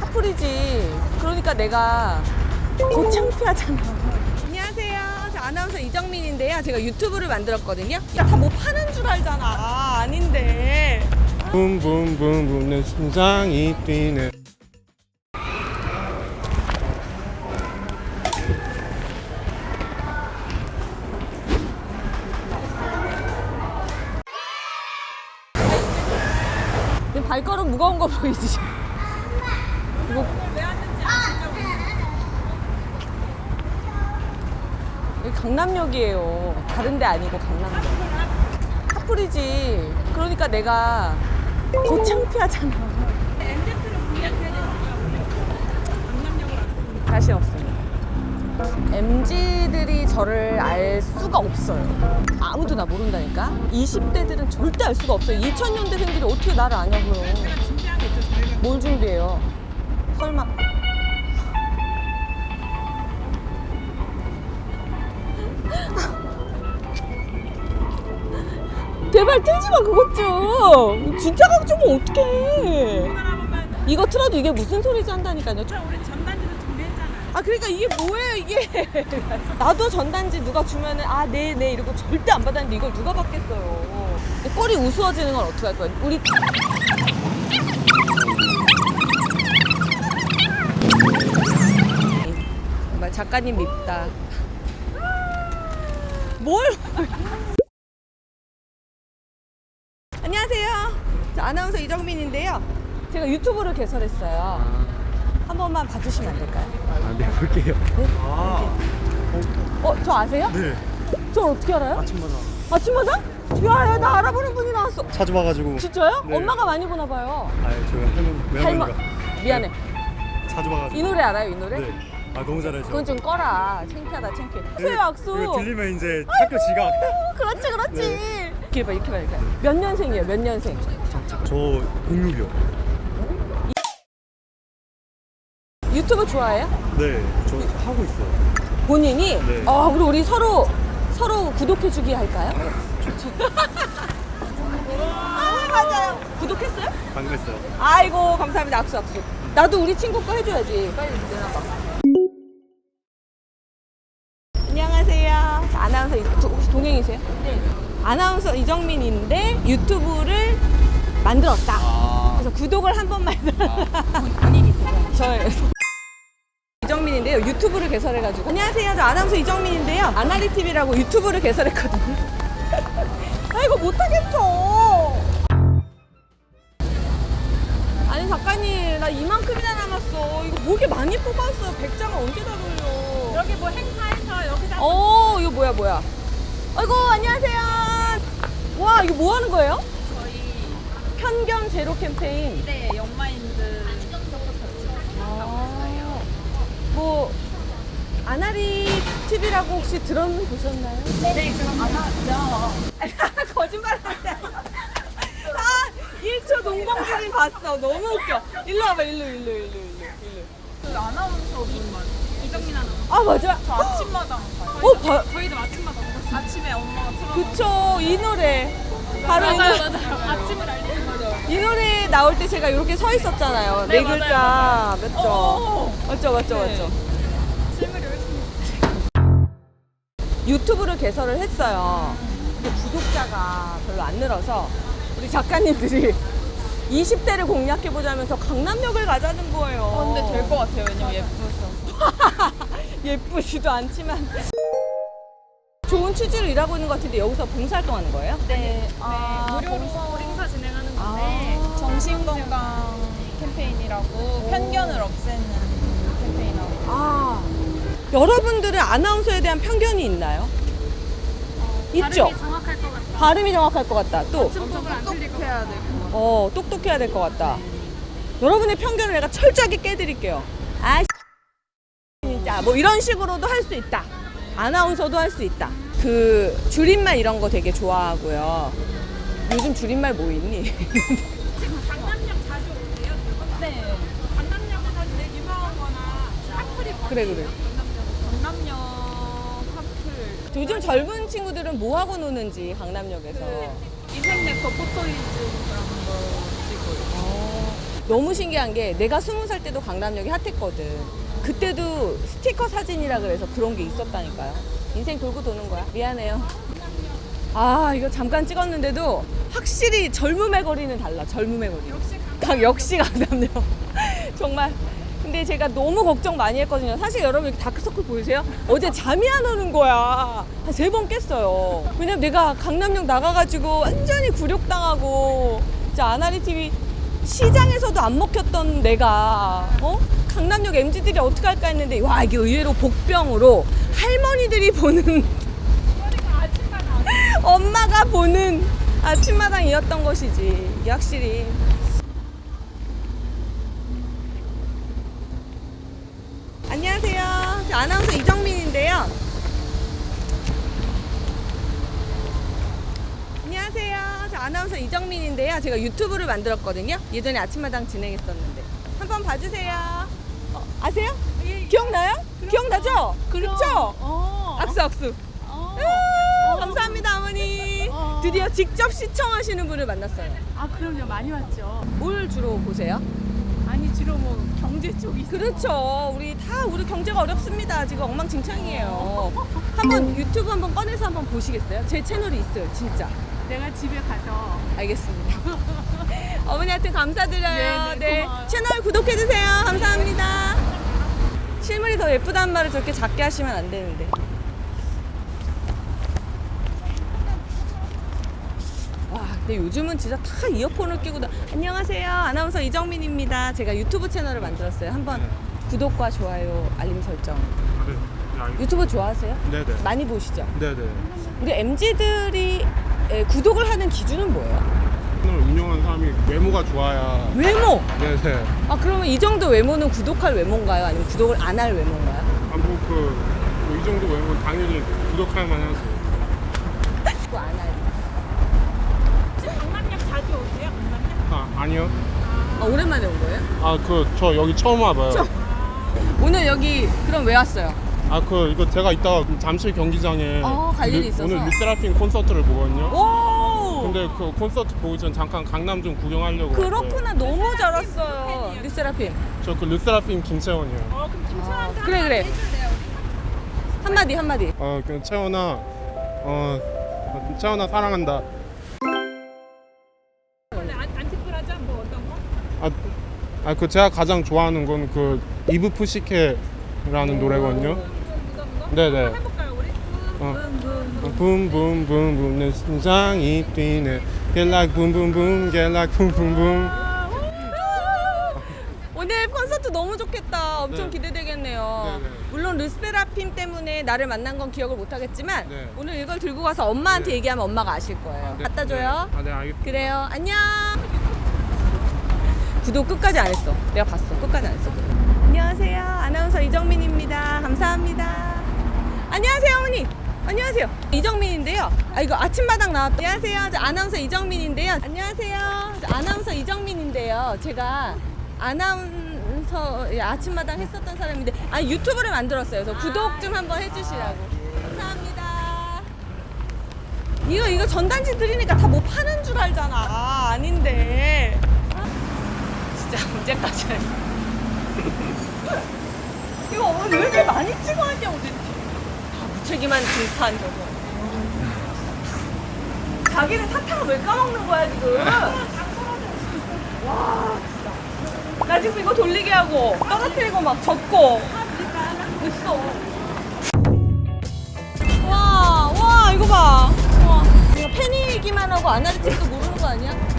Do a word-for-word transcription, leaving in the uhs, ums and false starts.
카풀이지. 그러니까 내가 더 창피하잖아. 안녕하세요. 저 아나운서 이정민인데요. 제가 유튜브를 만들었거든요. 다 뭐 파는 줄 알잖아. 아, 아닌데. 붐붐붐붐 내 심장이 뛰네. 내 발걸음 무거운 거 보이지? 이거 왜 왔는지 아시죠? 여기 강남역이에요. 다른 데 아니고 강남역. 카풀이지. 그러니까 내가 더 창피하잖아. 엠제트를 공략해야 되니까 강남역으로 왔습니다. 자신 없습니다. 엠지들이 저를 알 수가 없어요. 아무도 나 모른다니까? 이십 대들은 절대 알 수가 없어요. 이천 년대생들이 어떻게 나를 아냐고요. 제가 준비한 게 있죠, 저희가. 뭘 준비해요? 설마. 제발 틀지 마, 그것 좀. 진짜 가져오면 어떡해. 이거 틀어도 이게 무슨 소리지 한다니까요. 저 우리 전단지도 준비했잖아요. 아, 그러니까 이게 뭐예요, 이게. 나도 전단지 누가 주면은, 아, 네, 네, 이러고 절대 안 받았는데 이걸 누가 받겠어요. 꼴이 우스워지는 건 어떡할 거야. 우리. 정말 작가님 밉다. 뭘? 안녕하세요. 저 아나운서 이정민인데요. 제가 유튜브를 개설했어요. 한 번만 봐주시면 안 될까요? 아, 네, 볼게요. 아, 어, 저 아세요? 네. 저 어떻게 알아요? 아침마다 아침마다? 야, 야, 나 알아보는 분이 나왔어. 자주 봐가지고. 진짜요? 네. 엄마가 많이 보나 봐요. 아, 저희 할머니, 할머. 외할머니가 미안해. 자주 봐가지고. 이 노래 알아요, 이 노래? 네. 아, 너무 잘하죠. 그건 좀 꺼라. 창피하다, 창피해. 네, 수요 악수. 이거 들리면 이제 학교 지각. 어, 그렇지, 그렇지. 네. 이렇게 봐, 이렇게 봐, 이렇게 봐. 몇 년생이에요, 몇 년생? 저 공육이요. 유튜브 좋아해요? 네, 저 하고 있어요. 본인이? 네. 아, 그럼 우리 서로, 서로 구독해주기 할까요? 아, 맞아요. 구독했어요? 방금 했어요. 아이고, 감사합니다. 악수, 악수. 나도 우리 친구 거 해줘야지. 빨리 내놔봐. 안녕하세요. 아나운서, 이- 저 혹시 동행이세요? 네. 아나운서 이정민인데 유튜브를 만들었다. 아. 그래서 구독을 한 번만 해달라. 본인이세요? 저예요. 이정민인데요. 유튜브를 개설해가지고. 안녕하세요. 저 아나운서 이정민인데요. 아나리티비라고 유튜브를 개설했거든요. 아이고, 못하겠어. 아니, 작가님, 나 이만큼이나 남았어. 이거 목에 많이 뽑았어요. 백 장을 언제 다 돌려. 여기 뭐 행사해서 여기다 어, 이거 뭐야, 뭐야. 아이고, 안녕하세요. 와, 이거 뭐 하는 거예요? 저희 편견 제로 캠페인. 네 영마인드 아, 뭐, 아나리 티비라고 혹시 들어보셨나요? 네 그럼 안 하죠. 거짓말 하지. 아, 일 초 농방주님 봤어. 너무 웃겨. 일로 와봐, 일로, 일로, 일로, 일로, 일로. 그 아나운서 분만 이정민 아나운서. 아, 맞아. 저 아침마당 봐요. 어, 봐. 저희도 아침마당 먹었어요. 아침에 엄마가 틀어. 그쵸, 이 노래. 바로 이 맞아요 노래. 맞아요. 아침을 알리는 거죠. 이 노래 나올 때 제가 이렇게 서 있었잖아요. 네, 네, 맞아요, 글자. 맞아요. 맞죠? 어. 맞죠, 맞죠, 네. 맞죠. 질문을 열심히. 유튜브를 개설을 했어요. 근데 구독자가 별로 안 늘어서 우리 작가님들이 이십 대를 공략해보자면서 강남역을 가자는 거예요. 어, 근데 될 것 같아요. 왜냐면 예쁘셔서. 예쁘지도 않지만 좋은 취지로 일하고 있는 것 같은데 여기서 봉사활동 하는 거예요? 네, 아, 무료로 행사 진행하는 건데 아. 정신건강 캠페인이라고 편견을 없애는 캠페인하고 아, 여러분들은 아나운서에 대한 편견이 있나요? 있죠? 발음이 정확할 것 같다. 발음이 정확할 것 같다. 또, 엄청 안 틀릴 것 같다. 어, 똑똑해야 될 것 같다. 여러분의 편견을 내가 철저하게 깨드릴게요. 아, 진짜. 뭐 이런 식으로도 할 수 있다. 아나운서도 할 수 있다. 그, 줄임말 이런 거 되게 좋아하고요. 요즘 줄임말 뭐 있니? 지금 강남역 자주 오세요? 네. 강남역에서 제일 유명한 거나 카풀이 그래, 그래. 강남역. 강남역 카풀. 요즘 젊은 친구들은 뭐 하고 노는지, 강남역에서. 이색 네커 포토리즘 그런 거 찍고 있어요. 어, 너무 신기한 게 내가 스무 살 때도 강남역이 핫했거든. 그때도 스티커 사진이라 그래서 그런 게 있었다니까요. 인생 돌고 도는 거야. 미안해요. 아 이거 잠깐 찍었는데도 확실히 젊음의 거리는 달라. 젊음의 거리. 강 역시 강남역. 정말. 근데 제가 너무 걱정 많이 했거든요. 사실 여러분 이렇게 다크서클 보이세요? 어제 잠이 안 오는 거야. 한 세 번 깼어요. 왜냐면 내가 강남역 나가가지고 완전히 굴욕당하고 진짜 아나리 티비 시장에서도 안 먹혔던 내가 어? 강남역 엠지들이 어떻게 할까 했는데 와 이게 의외로 복병으로 할머니들이 보는 엄마가 보는 아침마당이었던 것이지. 이게 확실히 안녕하세요. 저 아나운서 이정민인데요. 안녕하세요. 저 아나운서 이정민인데요. 제가 유튜브를 만들었거든요. 예전에 아침마당 진행했었는데 한번 봐주세요. 어, 아세요? 기억나요? 기억나죠? 그렇죠? 어. 악수 악수. 어. 아, 감사합니다 어머니. 어. 드디어 직접 시청하시는 분을 만났어요. 아 그럼요 많이 왔죠. 뭘 주로 보세요? 아니 주로 뭐 경제 쪽이 그렇죠. 우리 다 우리 경제가 어렵습니다. 지금 엉망진창이에요. 한번 유튜브 한번 꺼내서 한번 보시겠어요? 제 채널이 있어요, 진짜. 내가 집에 가서 알겠습니다. 어머니한테 감사드려요. 네, 네, 고마워요. 채널 구독해주세요. 감사합니다. 실물이 더 예쁘다는 말을 저렇게 작게 하시면 안 되는데. 와, 근데 요즘은 진짜 다 이어폰을 끼고 다... 안녕하세요. 아나운서 이정민입니다. 제가 유튜브 채널을 만들었어요. 한번 구독과 좋아요, 알림 설정. 네. 네, 유튜브 좋아하세요? 네네. 많이 보시죠? 네네. 우리 엠지들이 구독을 하는 기준은 뭐예요? 채널 운영하는 사람이 외모가 좋아야. 외모! 네네. 아 그러면 이 정도 외모는 구독할 외모인가요? 아니면 구독을 안 할 외모인가요? 아뭐그이 정도 외모는 당연히 구독할 만하죠. 구독 안 할. 강남역 자주 오세요? 강남역? 아 아니요. 아, 오랜만에 온 거예요? 아 그 저 여기 처음 와봐요. 처음. 오늘 여기 그럼 왜 왔어요? 아 그 이거 제가 이따가 잠실 경기장에 어, 갈 일이 르- 있어서. 오늘 르세라핌 콘서트를 보거든요. 오! 근데 그 콘서트 보기 전 잠깐 강남 좀 구경하려고. 그렇구나. 너무 잘 왔어요. 르세라핌. 저그 르세라핌 김채원이요. 어 그럼 김채원한테 아, 그래, 그래. 해줄래요? 한마디 한마디. 어그 채원아 어 채원아 사랑한다. 원래 안- 안티프라자 뭐 어떤 거? 아 그 제가 가장 좋아하는 건 그 이브 푸시케라는 노래거든요. 이거 이거? 네네. 한번 해볼까요 우리? 어. 붐붐붐 붐붐붐붐 내 심장이 뛰네 Get like 붐붐붐 Get like 붐붐붐. 오늘 콘서트 너무 좋겠다. 엄청 네. 기대되겠네요. 네, 네. 물론 르세라핌 때문에 나를 만난 건 기억을 못 하겠지만 네. 오늘 이걸 들고 가서 엄마한테 네. 얘기하면 엄마가 아실 거예요. 네, 갖다 줘요. 네. 아, 네 알겠습니다. 그래요. 안녕. 구독 끝까지 안 했어. 내가 봤어. 끝까지 안 했어. 안녕하세요. 아나운서 이정민입니다. 감사합니다. 안녕하세요, 어머니. 안녕하세요. 이정민인데요. 아 이거 아침마당 나왔. 안녕하세요. 저 아나운서 이정민인데요. 안녕하세요. 저 아나운서 이정민인데요. 제가 아나운서 예, 아침마당 했었던 사람인데 아 유튜브를 만들었어요. 그래서 구독 좀 한번 해주시라고. 감사합니다. 이거 이거 전단지 드리니까 다 뭐 파는 줄 알잖아. 아, 아닌데. 진짜 언제까지 할 이거 오늘 왜 이렇게 많이 찍어왔냐고 도대체. 다 무책임한 질판 저거. 자기는 사탕을 왜 까먹는 거야 지금. 와 진짜. 나 지금 이거 돌리게 하고 떨어뜨리고 막 젓고 있어. 와, 와 이거 봐. 와, 내가 팬이기만 하고 아나리틱도 모르는 거 아니야?